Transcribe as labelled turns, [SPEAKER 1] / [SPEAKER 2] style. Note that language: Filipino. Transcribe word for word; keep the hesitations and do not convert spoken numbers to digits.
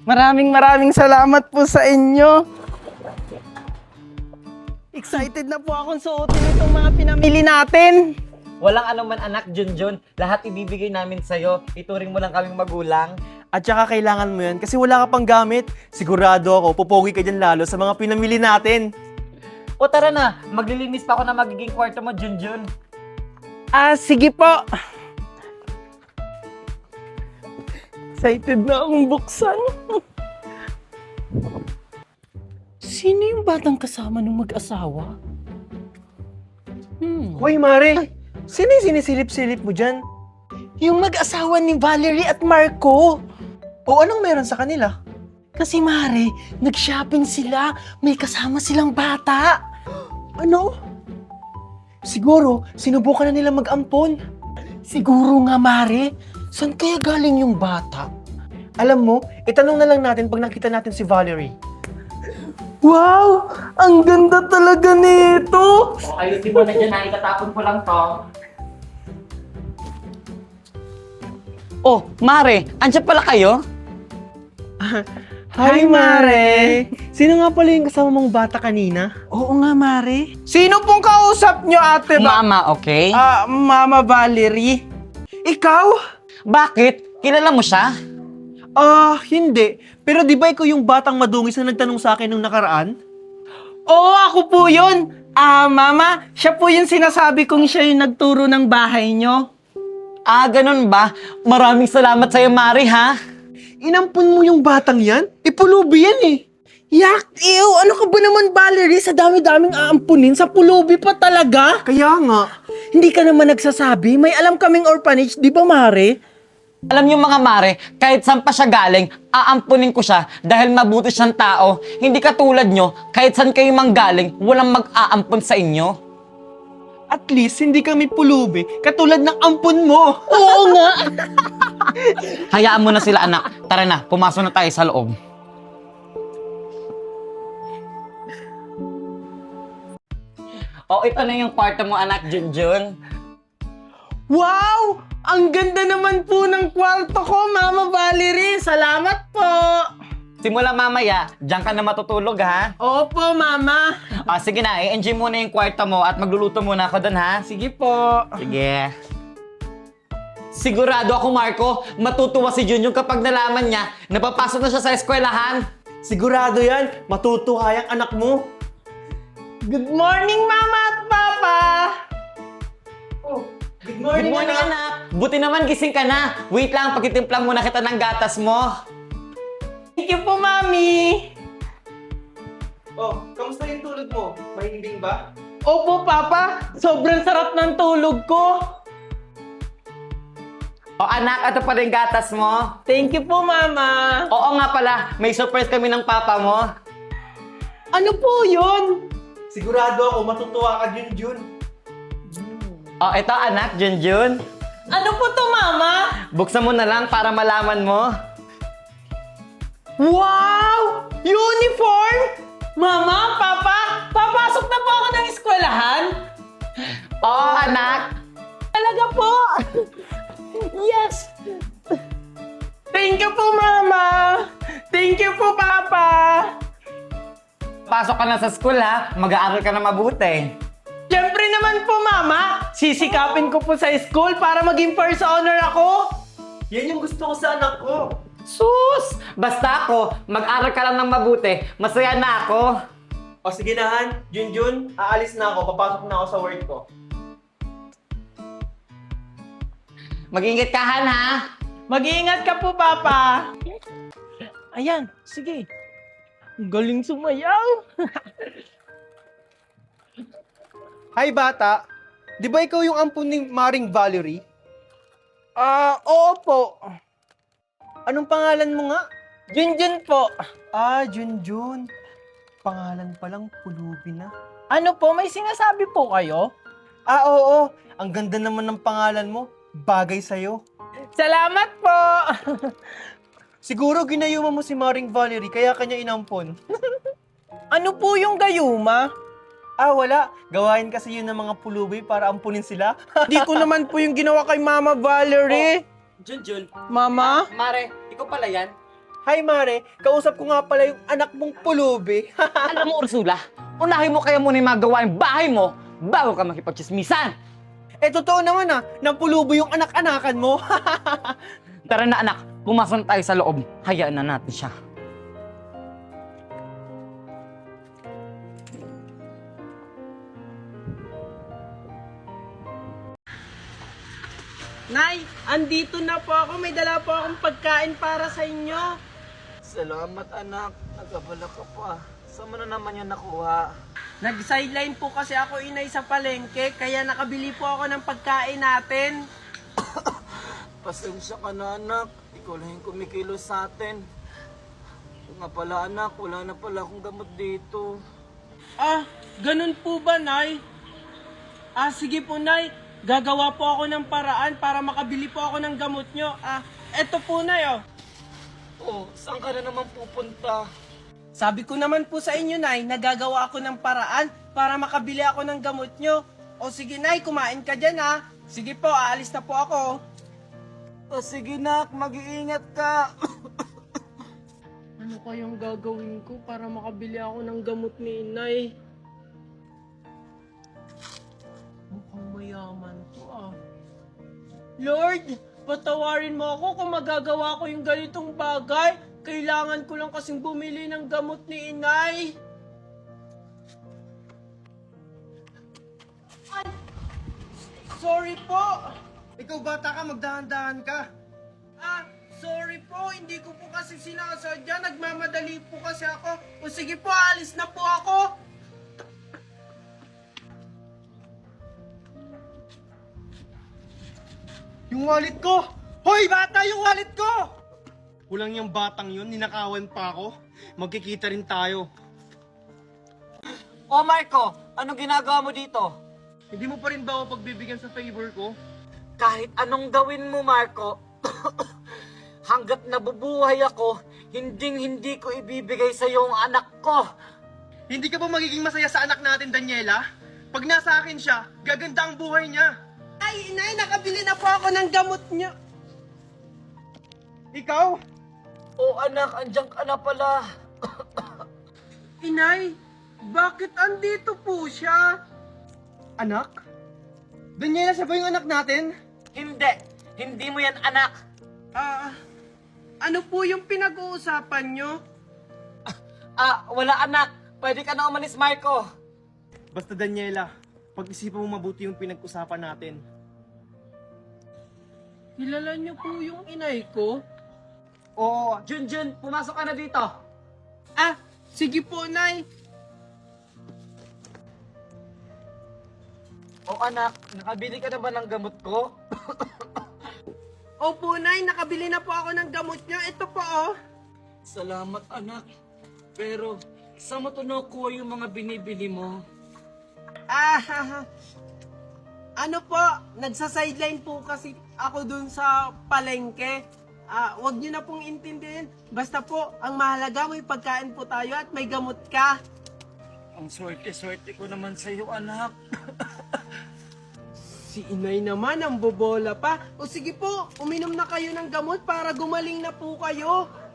[SPEAKER 1] Maraming maraming salamat po sa inyo. Excited na po akong suotin itong mga pinamili natin.
[SPEAKER 2] Walang anuman anak, Junjun. Lahat ibibigay namin sa'yo. Ituring mo lang kaming magulang.
[SPEAKER 3] At saka kailangan mo yan kasi wala ka pang gamit. Sigurado ako, pupogi ka dyan lalo sa mga pinamili natin.
[SPEAKER 2] O tara na, maglilinis pa ako na magiging kwarto mo, Junjun.
[SPEAKER 1] Ah, sige po. Excited na akong buksan. Sino yung batang kasama ng mag-asawa? Hmm.
[SPEAKER 3] Hoy, Mare! Sino yung sinisilip-silip mo dyan?
[SPEAKER 1] Yung mag-asawa ni Valerie at Marco.
[SPEAKER 3] O anong meron sa kanila?
[SPEAKER 1] Kasi Mare, nag-shopping sila. May kasama silang bata.
[SPEAKER 3] Ano? Siguro, sinubukan na nila mag-ampon.
[SPEAKER 1] Siguro nga Mare. Saan kaya galing yung bata?
[SPEAKER 3] Alam mo, itanong na lang natin pag nakita natin si Valerie.
[SPEAKER 1] Wow! Ang ganda talaga nito!
[SPEAKER 2] O ayusin mo na dyan ha, itatapon ko lang to. Oh, Mare, andyan pala kayo?
[SPEAKER 3] Hi, Mare! Sino nga pala yung kasama mong bata kanina?
[SPEAKER 1] Oo nga, Mare. Sino pong kausap nyo, ate ba?
[SPEAKER 2] Mama, okay?
[SPEAKER 1] Ah, Mama Valerie. Ikaw?
[SPEAKER 2] Bakit? Kilala mo siya?
[SPEAKER 3] Ah, hindi. Pero di ba ikaw yung batang madungis na nagtanong sa akin nung nakaraan?
[SPEAKER 1] Oo, ako po yun. Ah, Mama, siya po yung sinasabi kong siya yung nagturo ng bahay nyo.
[SPEAKER 2] Ah, ganun ba? Maraming salamat sa'yo, Mari, ha?
[SPEAKER 3] Inampun mo yung batang yan? Ipulubi yan eh.
[SPEAKER 1] Yak! Ew! Ano ka ba naman, Valerie? Sa dami-daming aampunin, sa pulubi pa talaga?
[SPEAKER 3] Kaya nga.
[SPEAKER 1] Hindi ka naman nagsasabi. May alam kaming orphanage, di ba, Mare?
[SPEAKER 2] Alam niyo mga Mare, kahit saan pa siya galing, aampunin ko siya dahil mabuti siyang tao. Hindi katulad nyo, kahit saan kayo manggaling, walang mag-aampun sa inyo.
[SPEAKER 3] At least, hindi kami pulubi, katulad ng ampun mo.
[SPEAKER 1] Oo nga!
[SPEAKER 2] Hayaan mo na sila anak. Tara na, pumasok na tayo sa loob. Oh, ito na yung kwarto mo anak, Junjun.
[SPEAKER 1] Wow! Ang ganda naman po ng kwarto ko, Mama Valerie. Salamat po!
[SPEAKER 2] Simula mamaya, diyan ka na matutulog ha.
[SPEAKER 1] Opo, Mama.
[SPEAKER 2] Ah, sige na, i-enjoy muna yung kwarto mo at magluluto muna ako doon ha.
[SPEAKER 1] Sige po.
[SPEAKER 2] Sige. Sigurado ako, Marco, matutuwa si Junjun kapag nalaman niya na papasok na siya sa eskwelahan.
[SPEAKER 3] Sigurado yan, matutuwa yung anak mo.
[SPEAKER 1] Good morning, Mama at Papa!
[SPEAKER 3] Oh, good
[SPEAKER 2] Good morning, anak. Buti naman gising ka na. Wait lang, pagkitimplang muna kita ng gatas mo.
[SPEAKER 1] Thank you po, Mami!
[SPEAKER 3] Oh, kamusta yung tulog mo? Mahimbing ba?
[SPEAKER 1] Opo, Papa. Sobrang sarap ng tulog ko.
[SPEAKER 2] O anak, ito pa rin gatas mo.
[SPEAKER 1] Thank you po, Mama.
[SPEAKER 2] Oo nga pala, may surprise kami ng papa mo.
[SPEAKER 1] Ano po yun?
[SPEAKER 3] Sigurado ako, matutuwa ka, Junjun.
[SPEAKER 2] O ito anak, Junjun.
[SPEAKER 1] Ano po to, Mama?
[SPEAKER 2] Buksan mo na lang para malaman mo.
[SPEAKER 1] Wow! Uniform! Mama, Papa, papasok na po ako ng eskwelahan?
[SPEAKER 2] Oo anak.
[SPEAKER 1] Talaga po! Yes! Thank you po, Mama! Thank you po, Papa!
[SPEAKER 2] Pasok ka na sa school ha, mag-aaral ka na mabuti.
[SPEAKER 1] Siyempre naman po, Mama! Sisikapin ko po sa school para maging first honor ako!
[SPEAKER 3] Yan yung gusto ko sa anak ko.
[SPEAKER 2] Sus! Basta ako, mag-aral ka lang ng mabuti, masaya na ako.
[SPEAKER 3] O sige na, Han. Junjun, aalis na ako. Papasok na ako sa work ko.
[SPEAKER 2] Mag-ingat ka Han ha.
[SPEAKER 1] Mag-iingat ka po, Papa! Ayan, sige. Ang galing sumayaw!
[SPEAKER 3] Hi, bata. Di ba ikaw yung ampun ni Maring Valerie?
[SPEAKER 1] Ah, oo po.
[SPEAKER 3] Anong pangalan mo nga?
[SPEAKER 1] Junjun po.
[SPEAKER 3] Ah, Junjun. Pangalan pa lang, pulubi na.
[SPEAKER 1] Ano po, may sinasabi po kayo?
[SPEAKER 3] Ah, oo. Ang ganda naman ng pangalan mo. Bagay sa'yo.
[SPEAKER 1] Salamat po!
[SPEAKER 3] Siguro ginayuma mo si Maring Valerie, kaya kanya inampon.
[SPEAKER 1] Ano po yung gayuma?
[SPEAKER 3] Ah, wala. Gawain kasi yun ng mga pulubi para ampunin sila.
[SPEAKER 1] Di ko naman po yung ginawa kay Mama Valerie.
[SPEAKER 2] Junjun.
[SPEAKER 1] Mama?
[SPEAKER 2] Mare, ikaw pala yan?
[SPEAKER 3] Hi, Mare. Kausap ko nga pala yung anak mong pulubi.
[SPEAKER 2] Alam mo, Ursula, unahin mo kaya muna yung mga gawain bahay mo bago ka makipagchismisan.
[SPEAKER 3] eh, totoo naman ah, nang pulubi yung anak-anakan mo.
[SPEAKER 2] Tara na anak, pumasok na tayo sa loob. Hayaan na natin siya.
[SPEAKER 1] Nay, andito na po ako. May dala po akong pagkain para sa inyo.
[SPEAKER 4] Salamat anak, nagabala ka pa. Saan mo na naman yan nakuha?
[SPEAKER 1] Nag-sideline po kasi ako, inay, sa palengke, kaya nakabili po ako ng pagkain natin.
[SPEAKER 4] Pasensya ka na anak, ikaw lang yung kumikilos sa atin. Yung nga pala anak, wala na pala akong gamot dito.
[SPEAKER 1] Ah, ganun po ba, Nay? Ah, sige po, Nay. Gagawa po ako ng paraan para makabili po ako ng gamot nyo. Ah, eto po, Nay, oh.
[SPEAKER 4] Oh, saan ka na naman pupunta?
[SPEAKER 1] Sabi ko naman po sa inyo, Nay, nagagawa ako ng paraan para makabili ako ng gamot nyo. O sige, Nay, kumain ka dyan, ha. Sige po, aalis na po ako.
[SPEAKER 4] Oh, sige nak, mag-iingat ka.
[SPEAKER 1] Ano kayang gagawin ko para makabili ako ng gamot ni Inay? Mukhang mayaman to ah. Lord, patawarin mo ako kung magagawa ko yung ganitong bagay. Kailangan ko lang kasing bumili ng gamot ni Inay. Ay! Sorry po!
[SPEAKER 3] Ikaw bata ka, magdahan-dahan ka.
[SPEAKER 1] Ah, sorry po, hindi ko po kasi sinasadya. Nagmamadali po kasi ako. O sige po, alis na po ako.
[SPEAKER 3] Yung wallet ko! Hoy, bata, yung wallet ko! Kulang yung batang yun, ninakawan pa ako. Magkikita rin tayo.
[SPEAKER 4] Oh Marco, anong ginagawa mo dito?
[SPEAKER 3] Hindi mo pa rin ba ako pagbibigyan sa favor ko?
[SPEAKER 4] Kahit anong gawin mo Marco, hanggat nabubuhay ako, hinding hindi ko ibibigay sa iyo ang anak ko.
[SPEAKER 3] Hindi ka ba magiging masaya sa anak natin, Daniela? Pag nasa akin siya, gaganda ang buhay niya.
[SPEAKER 1] Ay, Inay, nakabili na po ako ng gamot niyo.
[SPEAKER 3] Ikaw?
[SPEAKER 4] Oh anak, andyan ka na pala.
[SPEAKER 1] Inay, bakit andito po siya?
[SPEAKER 3] Anak? Daniela, siya ba yung anak natin?
[SPEAKER 4] Hindi, hindi mo yan anak.
[SPEAKER 1] Ah, ano po yung pinag-uusapan niyo?
[SPEAKER 4] Ah, wala anak. Pwede ka na umalis, Marco.
[SPEAKER 3] Basta Daniela, pag-isipan mo mabuti yung pinag-usapan natin.
[SPEAKER 1] Kilala niyo po yung inay ko?
[SPEAKER 4] Oo, Junjun, pumasok ka na dito.
[SPEAKER 1] Ah, sige po, Nay.
[SPEAKER 4] Oh anak, nakabili ka na ba ng gamot ko?
[SPEAKER 1] Opo, Nay, nakabili na po ako ng gamot niyo. Ito po, oh.
[SPEAKER 4] Salamat anak. Pero, saan mo to nakuha yung mga binibili mo?
[SPEAKER 1] Ah, ano po, nagsa-sideline po kasi ako dun sa palengke. Ah, wag niyo na pong intindihin. Basta po, ang mahalaga may pagkain po tayo at may gamot ka.
[SPEAKER 4] Ang swerte-swerte ko naman sa iyo, anak.
[SPEAKER 1] Si Inay naman, ang bobola pa. O sige po, uminom na kayo ng gamot para gumaling na po kayo.